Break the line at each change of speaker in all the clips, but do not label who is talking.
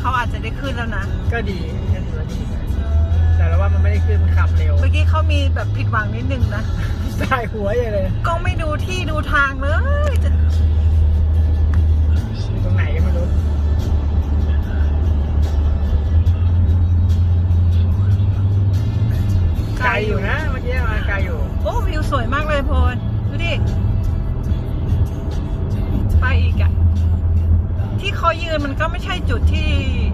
เขาอาจจะได้ขึ้นแล้วนะ
ก็ดีก็ถือว่าดีแต่เราว่ามันไม่ได้ขึ้นมันขับเร็ว
เมื่อกี้เขามีแบบผิดหวังนิดนึงนะ
สายหัวอย่างเลย
กล้องไม่ดูที่ดูทางเลยจะ
ตรงไหนก็ไม่รู้ไกลอยู่นะเมื่อกี้มาไกลอยู่
โอ้วิวสวยมากเลยพลดูดิไปอีกอะที่เขายืนมันก็ไม่ใช่จุดที่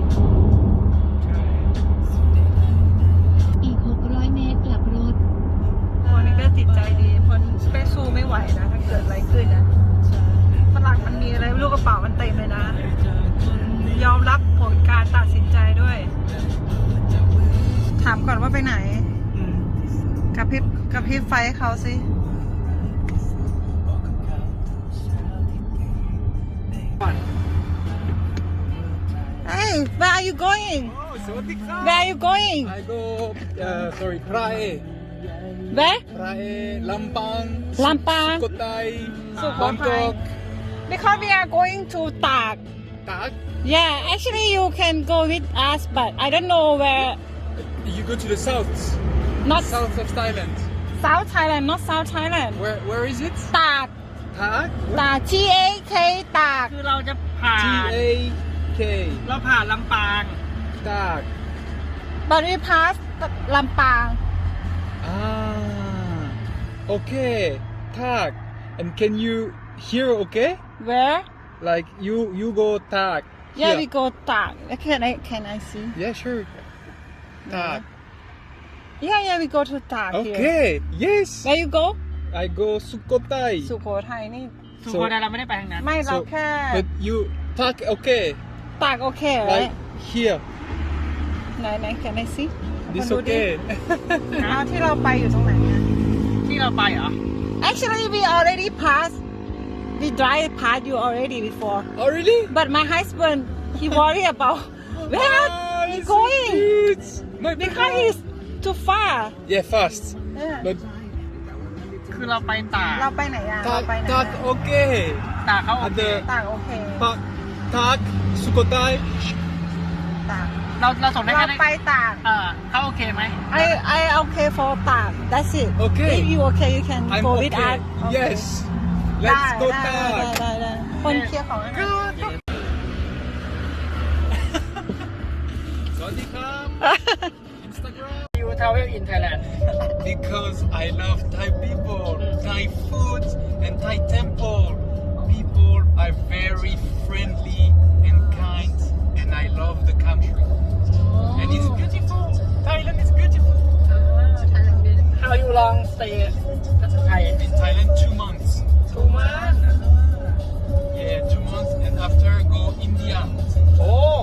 อีก600 เมตรกลับรถ
โอ้นี่ก็จิตใจดีพลไปสู้ไม่ไหวนะถ้าเกิดอะไรขึ้นนะฝรั่งมันมีอะไรไม่รู้กระเป๋ามันเต็มเลยนะยอมรับผลการตัดสินใจด้วยถามก่อนว่าไปไหนกระพริบไฟเขาสิ Hey where are you going where are you going
I go sorry Prae
where
Lampang Sukhothai
Bangkok because we are going to Tak yeah actually you can go with us but I don't know where
you go to the south
not
south of Thailand
South Thailand not South Thailand
where is it
Tak T A K ตากคือเราจะผ่าน
T A K
เราผ่านลำปาง
Tak
but we pass ลำปาง
okay Tak and can you hear okay
where
like you go Tak
yeah we go ตาก can I see
yeah sure Tak
yeah we go to ตาก
okay yes
where you go
I go Sukhothai
สุโขทัยนี่
สุโขทัยเราไม่ได้ไปทางนั้น
ไม่เราแค่
but you Tak okay
ตากโอเค
like here
ไหน can I see
this okay
ที่เราไปอยู่ตรงไหนอะ
ที่เราไปเหรอ
actually we already passed we drive past you already before
oh really
but my husband he worry about where he going because he's too far
yeah fast
yeah.
but
คือเราไปตาก
เราไปไหนอะเราไปไหน
Tak okay
ตากเขาโอเค
ตากโอเค
Tak Sukhothai
ตาก
เราส่งได้
เรา
แค่
ไปตาก
เขาโอเคไหม
I okay for ตาก that's it
Okay.
if you okay you can
I'm
go with
okay
us
yes let's go
ได้
Tak
คนเคลียร์ของให้หน่อย
สวัสดีครับ Instagram
You travel in Thailand
because I love Thai people Thai food and Thai temple people are very friendly and kind and I love the country and it's beautiful Thailand is beautiful
How you long stay Thai
in Thailand 2 months
2 months
yeah 2 months and after go India
โอ้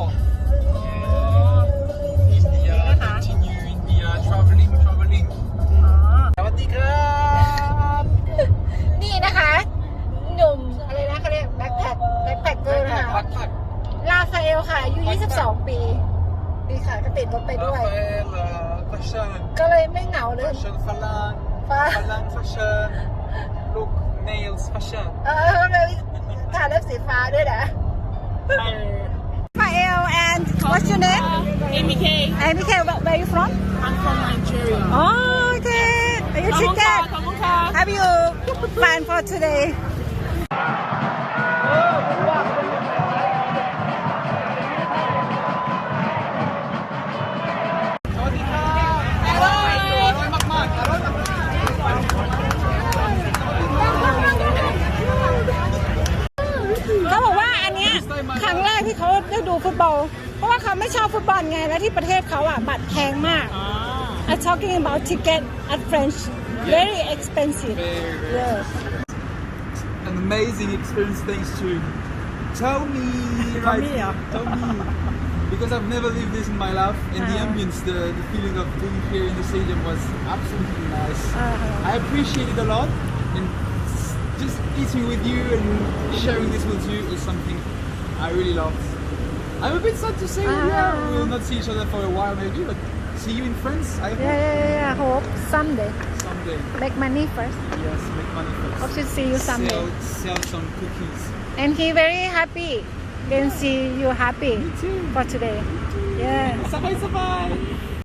India continue India traveling สวัสดีครับ
นี่นะคะหนุ่มอะไรนะเขาเรียกแบ็คแพ็คเกอร์นะคะ
พัก
ลาฟาเอลค่ะอายุ22 ปีดีค่ะก็ติดรถไปด้วย
fashion
ก็เลยไม่เหงาเลย
fashion ฝรั่ง fashion look nails fashion
เลยทาเล็บสีฟ้าด้วยนะฟาเอล and what's your name
MK
MK where you from
I'm from Nigeria
oh okay are you chicken
ขอบคุณค่ะ
have you plan for todayเขาบอกว่าอันเนี้ยครั้งแรกที่เขาได้ดูฟุตบอลเพราะว่าเขาไม่ชอบฟุตบอลไงแล้วที่ประเทศเขาอ่ะบัตรแพงมาก I'm talking about ticket at French very expensive yes
an amazing experience thanks to Tommy because I've never lived this in my life and the ambience the feeling of being here in the stadium was absolutely nice I appreciate it a lot and just eating with you and sharing this with you is something I really love I'm a bit sad to say that we will not see each other for a while maybe but see you in France I hope
yeah hope someday make money first
yes make money first
hope to see you someday
sell some cookies
and he very happy can see you happy
Me too.
for today. Yeah.
Sakay-sakay.